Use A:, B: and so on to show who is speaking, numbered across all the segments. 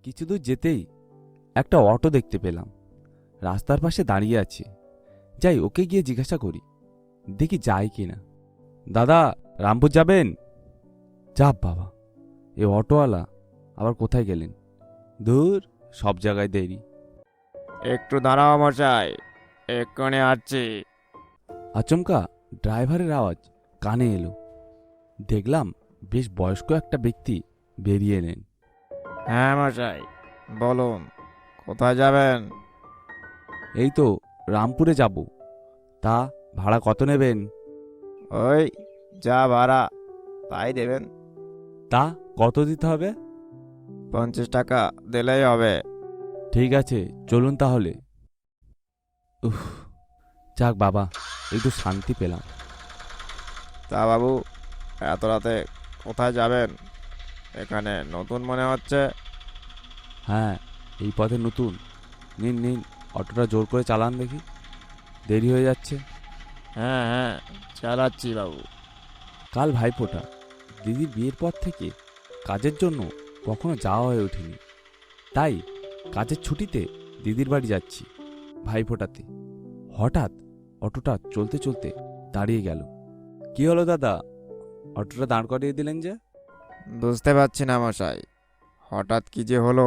A: কিছু দূর যেতেই একটা অটো দেখতে পেলাম, রাস্তার পাশে দাঁড়িয়ে আছে। যাই, ওকে গিয়ে জিজ্ঞাসা করি, দেখি যায় কিনা। দাদা, রামপুর যাবেন? যা বাবা, এ অটোওয়ালা আবার কোথায় গেলেন? দূর, সব জায়গায় দেরি।
B: একটু দাঁড়াও মশাই, এক্ষুনি আসছি।
A: আচমকা ড্রাইভারের আওয়াজ কানে এলো। দেখলাম বেশ বয়স্ক একটা ব্যক্তি বেরিয়ে এলেন।
B: হ্যাঁ মশাই, বলুন কোথায় যাবেন?
A: এই তো রামপুরে যাব। তা ভাড়া কত নেবেন?
B: ওই যা ভাড়া তাই দেবেন।
A: তা কত দিতে হবে?
B: 50 টাকা দিলেই হবে।
A: ঠিক আছে, চলুন তাহলে। উফ, যাক বাবা, একটু শান্তি পেলাম।
B: তা বাবু, এত রাতে কোথায় যাবেন? এখানে নতুন মনে হচ্ছে।
A: হ্যাঁ, এই পথে নতুন। নিন নিন, অটোটা জোর করে চালান দেখি, দেরি হয়ে যাচ্ছে।
B: হ্যাঁ হ্যাঁ, চালাচ্ছি বাবু।
A: কাল ভাইফোঁটা। দিদির বিয়ের পর থেকে কাজের জন্য কখনো যাওয়া হয়ে ওঠেনি। তাই কাজের ছুটিতে দিদির বাড়ি যাচ্ছি ভাইফোঁটাতে। হঠাৎ অটোটা চলতে চলতে দাঁড়িয়ে গেল। কি হলো দাদা, অটোটা দাঁড় করিয়ে দিলেন যে?
B: বুঝতে পারছি না মশাই, হঠাৎ কি যে হলো।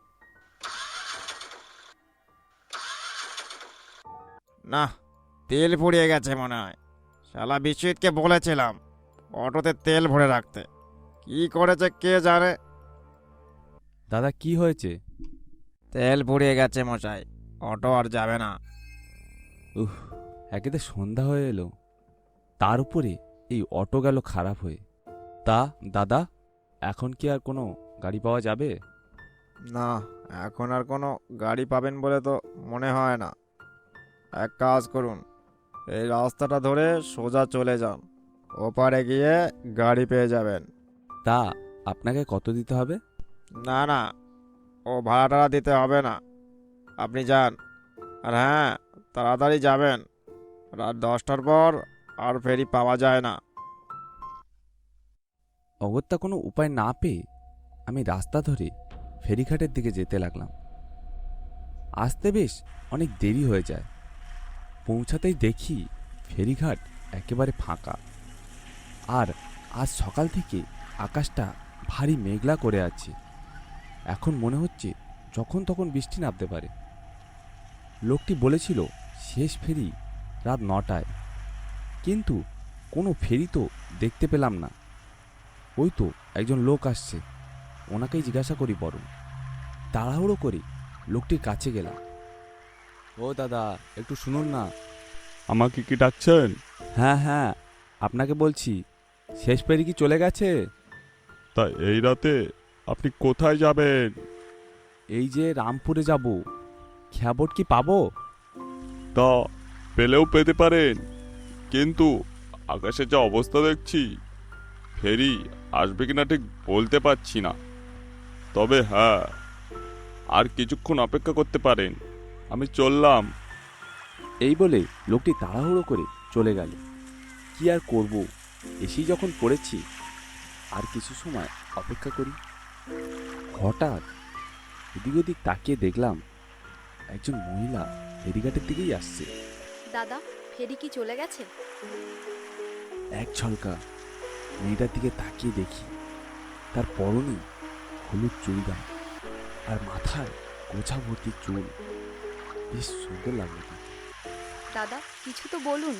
B: না, তেল ফুরিয়ে গেছে মনে হয়। শালা বিশ্বজিৎকে বলেছিলাম অটোতে তেল ভরে রাখতে, কি করেছে কে জানে।
A: দাদা, কি হয়েছে?
B: তেল ফুরিয়ে গেছে মশাই, অটো আর যাবে না।
A: উহ, একেতে সন্ধ্যা হয়ে এলো, তার উপরে এই অটো গেল খারাপ হয়ে। তা দাদা, এখন কি আর কোনো গাড়ি পাওয়া যাবে?
B: না, এখন আর কোনো গাড়ি পাবেন বলে তো মনে হয় না। এক কাজ করুন, এই রাস্তাটা ধরে সোজা চলে যান, ওপারে গিয়ে গাড়ি পেয়ে যাবেন।
A: তা আপনাকে কত দিতে হবে?
B: না না, ও ভাড়া টাড়া দিতে হবে না, আপনি যান। আর হ্যাঁ, তাড়াতাড়ি যাবেন, রাত 10টার পর আর ফেরি পাওয়া যায় না।
A: অগত্যা কোনো উপায় না পেয়ে আমি রাস্তা ধরে ফেরিঘাটের দিকে যেতে লাগলাম। আসতে বেশ অনেক দেরি হয়ে যায়। পৌঁছাতেই দেখি ফেরিঘাট একেবারে ফাঁকা। আর আজ সকাল থেকে আকাশটা ভারী মেঘলা করে আছে। এখন মনে হচ্ছে যখন তখন বৃষ্টি নামতে পারে। লোকটি বলেছিল শেষ ফেরি রাত 9টায়, কিন্তু কোনো ফেরি তো দেখতে পেলাম না। ওই তো একজন লোক আসছে, ওনাকেই জিজ্ঞাসা করি বরং। তাড়াহুড়ো করে লোকটির কাছে গেলাম। ও দাদা, একটু শুনুন না।
C: আমাকে কি ডাকছেন?
A: হ্যাঁ হ্যাঁ, আপনাকে বলছি, শেষ ফেরি কি চলে গেছে?
C: তা এই রাতে আপনি কোথায় যাবেন?
A: এই যে রামপুরে যাব, খ্যাবট কি পাবো?
C: তা পেলেও পেতে পারেন, কিন্তু আকাশে যা অবস্থা দেখছি, ফেরি আসবে কিনা ঠিক বলতে পারছি না। তবে হ্যাঁ, আর কিছুক্ষণ অপেক্ষা করতে পারেন, আমি চললাম।
A: এই বলে লোকটি তাড়াহুড়ো করে চলে গেল। কি আর করব, এসেই যখন পড়েছি, আর কিছু সময় অপেক্ষা করি। হঠাৎ এদিক ওদিক তাকিয়ে দেখলাম একজন মহিলা ফেরিঘাটের দিকেই আসছে।
D: দাদা, ফেরি কি চলে গেছে?
A: এক ঝলকা মেয়েটার দিকে তাকিয়ে দেখি তার পরনে হলুদ চুড়িদার আর মাথায় গোছা ভর্তি চুল। বেশ সুন্দর লাগলো তাকে।
D: দাদা, কিছু তো বলুন।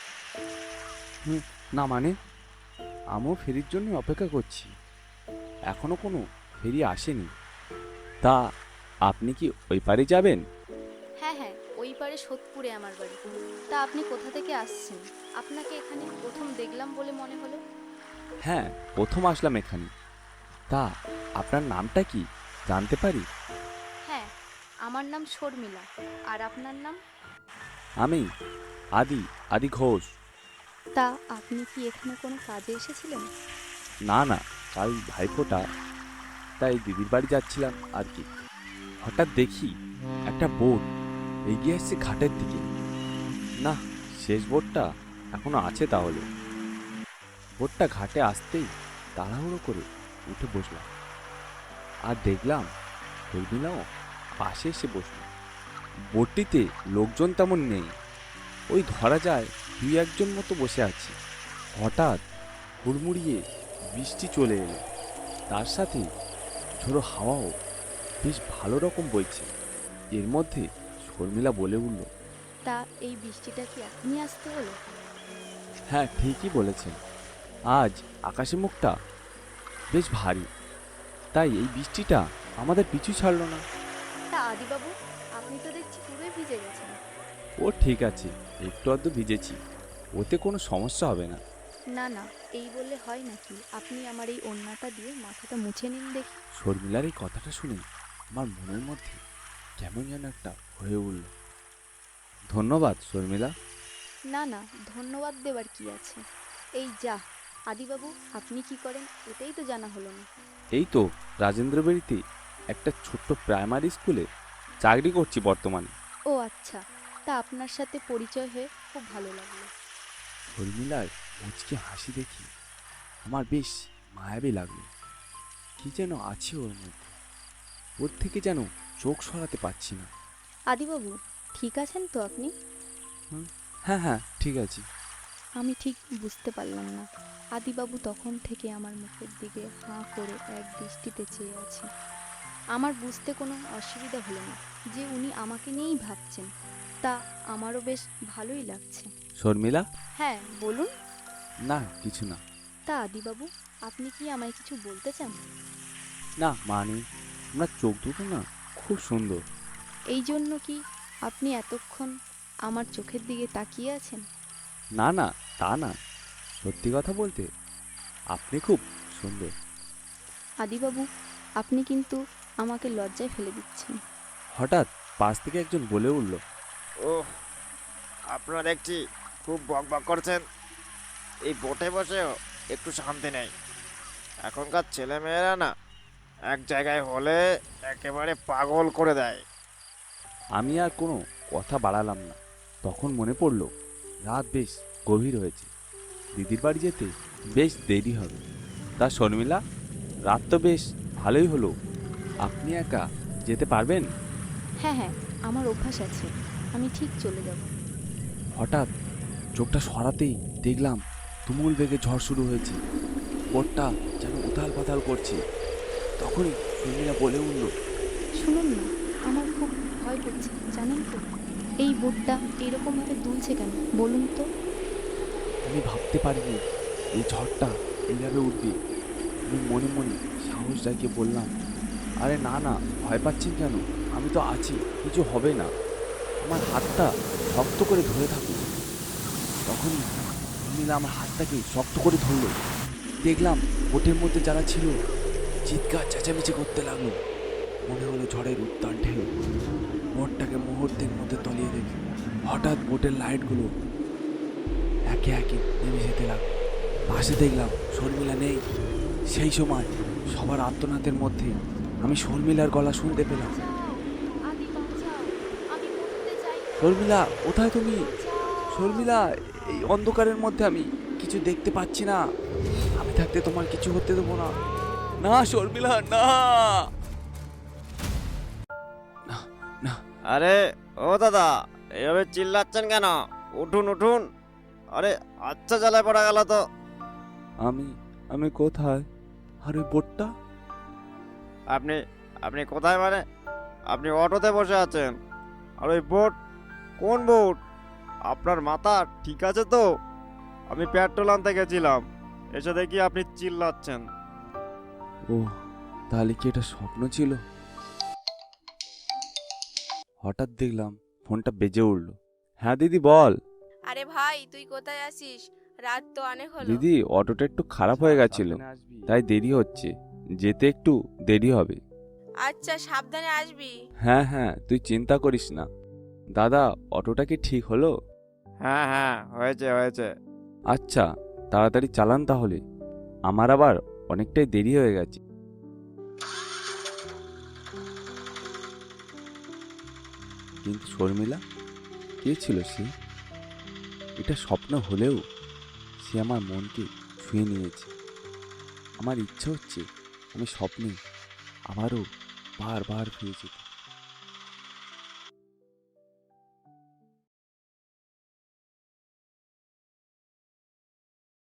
A: না মানে, আমিও ফেরির জন্য অপেক্ষা করছি, এখনো কোনো ফেরি আসেনি। তা আপনি কি ওই পারে যাবেন?
D: হ্যাঁ হ্যাঁ, ওই পারে সোদপুরে আমার বাড়ি। তা আপনি কোথা থেকে আসছেন? আপনাকে এখানে প্রথম দেখলাম বলে মনে হলো।
A: হ্যাঁ, প্রথম আসলাম এখানে। তা আপনার নামটা কি জানতে পারি?
D: হ্যাঁ, আমার নাম শর্মিলা। আর আপনার নাম?
A: আমি আদি আদি ঘোষ।
D: তা আপনি কি এখানে কোনো কাজে এসেছিলেন?
A: না না, কাল ভাইফোঁটা, তাই দিদির বাড়ি যাচ্ছিলাম আর কি। হঠাৎ দেখি একটা বোট এগিয়ে আসছে ঘাটের দিকে। না, শেষ বোটটা এখনো আছে তাহলে। বোটটা ঘাটে আসতেই তাড়াহুড়ো করে উঠে বসলাম। আর দেখলাম শর্মিলাও পাশে এসে বসল। বোটটিতে লোকজন তেমন নেই, ওই ধরা যায় 2-1 মতো বসে আছে। হঠাৎ হুড়মুড়িয়ে বৃষ্টি চলে এলো, তার সাথে ঝোড়ো হাওয়াও বেশ ভালো রকম বইছে। এর মধ্যে শর্মিলা বলে উঠল,
D: তা এই বৃষ্টিটা কি এখনই আসতে হলো?
A: হ্যাঁ ঠিকই বলেছেন, আজ আকাশের মুখটা বেশ ভারী, তাই এই বৃষ্টিটা আমাদের পিছু ছাড়লো না।
D: তা আদিবাবু, আপনি তো দেখছি পুরোই ভিজে গেছেন।
A: ও ঠিক আছে, একটু আধটু ভিজেছি, ওতে কোনো সমস্যা হবে না।
D: না না, এই বললে হয় নাকি? আপনি আমার এই ওড়নাটা দিয়ে মাথাটা মুছে নিন দেখি।
A: শর্মিলার এই কথাটা শুনে আমার মনের মধ্যে কেমন যেন একটা হয়ে উঠল। ধন্যবাদ শর্মিলা।
D: না না, ধন্যবাদ দেবার কি আছে? এই যা আদিবাবু, আপনি কি করেন এটাই তো জানা হলো না।
A: এই তো রাজেন্দ্র বাড়িতে একটা ছোট্ট প্রাইমারি স্কুলে চাকরি করছি বর্তমানে।
D: ও আচ্ছা, তা আপনার সাথে পরিচয় হয়ে খুব ভালো লাগলো।
A: শর্মিলার মুচকি হাসি দেখি আমার বেশ মায়াবী লাগলো। কি যেন আছে ওর মধ্যে, ওর থেকে যেন চোখ সরাতে পারছি না।
D: আদিবাবু, ঠিক আছেন তো আপনি?
A: হ্যাঁ হ্যাঁ ঠিক আছে।
D: আমি ঠিক বুঝতে পারলাম না। আদিবাবু তখন থেকে আমার মুখের দিকে হাঁ করে এক দৃষ্টিতে চেয়ে আছে। আমার বুঝতে কোনো অসুবিধা হলো না যে উনি আমাকে নিয়েই ভাবছেন, তা আমারও বেশ ভালোই লাগছে।
A: শর্মিলা,
D: হ্যাঁ বলুন।
A: না কিছু না।
D: তা আদিবাবু, আপনি কি আমায় কিছু বলতে চান?
A: না মানে, আপনার চোখ দুটো না খুব সুন্দর।
D: এই জন্য কি আপনি এতক্ষণ আমার চোখের দিকে তাকিয়ে আছেন?
A: না না, তা না, সত্যি কথা বলতে আপনি খুব সুন্দর।
D: আদিবাবু, আপনি কিন্তু আমাকে লজ্জায় ফেলে দিচ্ছেন।
A: হঠাৎ পাশ থেকে একজন বলে উঠল,
B: ওহ, আপনারা দেখছি খুব বকবক করছেন। এই বোটে বসেও একটু শান্তি নেই। এখনকার ছেলেমেয়েরা না এক জায়গায় হলে একেবারে পাগল করে দেয়।
A: আমি আর কোনো কথা বাড়ালাম না। তখন মনে পড়ল রাত বেশ গভীর হয়েছে, দিদির বাড়ি যেতে বেশ দেরি হবে। তা শর্মিলা, রাত তো বেশ ভালোই হলো, আপনি একা যেতে পারবেন?
D: হ্যাঁ হ্যাঁ, আমার অভ্যাস আছে, আমি ঠিক চলে যাব।
A: হঠাৎ চোখটা সরাতেই দেখলাম তুমুল বেগে ঝড় শুরু হয়েছে, বোটটা যেন উথাল পাতাল করছে। তখনই শর্মিলা বলে উঠল,
D: শুনুন না, আমার খুব ভয় করছে জানেন তো। এই বোটটা এরকমভাবে দুলছে কেন বলুন তো?
A: আমি ভাবতে পারিনি এই ঝড়টা এইভাবে উঠবে। আমি মনে মনে সাহস জাগিয়ে বললাম, আরে না না, ভয় পাচ্ছেন কেন, আমি তো আছি, কিছু হবে না, আমার হাতটা শক্ত করে ধরে থাকুন। তখনই শর্মিলা আমার হাতটাকে শক্ত করে ধরলো। দেখলাম বোটের মধ্যে যারা ছিল চিৎকার চেঁচামেচি করতে লাগলো। মনে হলো ঝড়ের উত্তাল ঢেউ বোটটাকে মুহূর্তের মধ্যে তলিয়ে দেবে। হঠাৎ বোটের লাইটগুলো একে একে নেমে যেতে লাগলো। পাশে দেখলাম শর্মিলা নেই। সেই সময় সবার আর্তনাদের মধ্যে আমি শর্মিলার গলা শুনতে পেলাম,
D: আদি বাঁচাও, আমি মরতে চাই না।
A: শর্মিলা কোথায় তুমি? শর্মিলা, এই অন্ধকারের মধ্যে আমি কিছু দেখতে পাচ্ছি না, আমি থাকতে তোমার কিছু হতে দেবো না। না শর্মিলা, না না না।
B: আরে ও দাদা, এইভাবে চিল্লাচ্ছেন কেন? উঠুন উঠুন। আরে আচ্ছা, জ্বালায় পড়া গেল তো।
A: আমি আমি কোথায়? আর ওই বোটটা?
B: আপনি আপনি কোথায় মানে? আপনি অটোতে বসে আছেন। আর ওই বোট? কোন বোট? আপনার মাথা ঠিক আছে তো? আমি পেট্রোল আনতে গেছিলাম, এসে দেখি আপনি চিল্লাচ্ছেন।
A: ও, তাহলে কি এটা স্বপ্ন ছিল? হঠাৎ দেখলাম ফোনটা বেজে উঠলো। হ্যাঁ দিদি বল।
E: আরে ভাই, তুই কোথায় আছিস? রাত তো অনেক হলো।
A: দিদি, অটোটা একটু খারাপ হয়ে গেছিল, তাই দেরি হচ্ছে, যেতে একটু দেরি হবে।
E: আচ্ছা, সাবধানে আসবি।
A: হ্যাঁ হ্যাঁ, তুই চিন্তা করিস না। দাদা, অটোটা কি ঠিক হলো?
B: হ্যাঁ হ্যাঁ, হয়েছে হয়েছে।
A: আচ্ছা, তাড়াতাড়ি চালান তাহলে, আমার আবার অনেকটাই দেরি হয়ে গেছে। কিন্তু শর্মিলা কে ছিল সে? এটা স্বপ্ন হলেও সে আমার মনকে ছুঁয়ে নিয়েছে। আমার ইচ্ছে হচ্ছে আমি স্বপ্নে আবারও বারবার ফিরে যেত।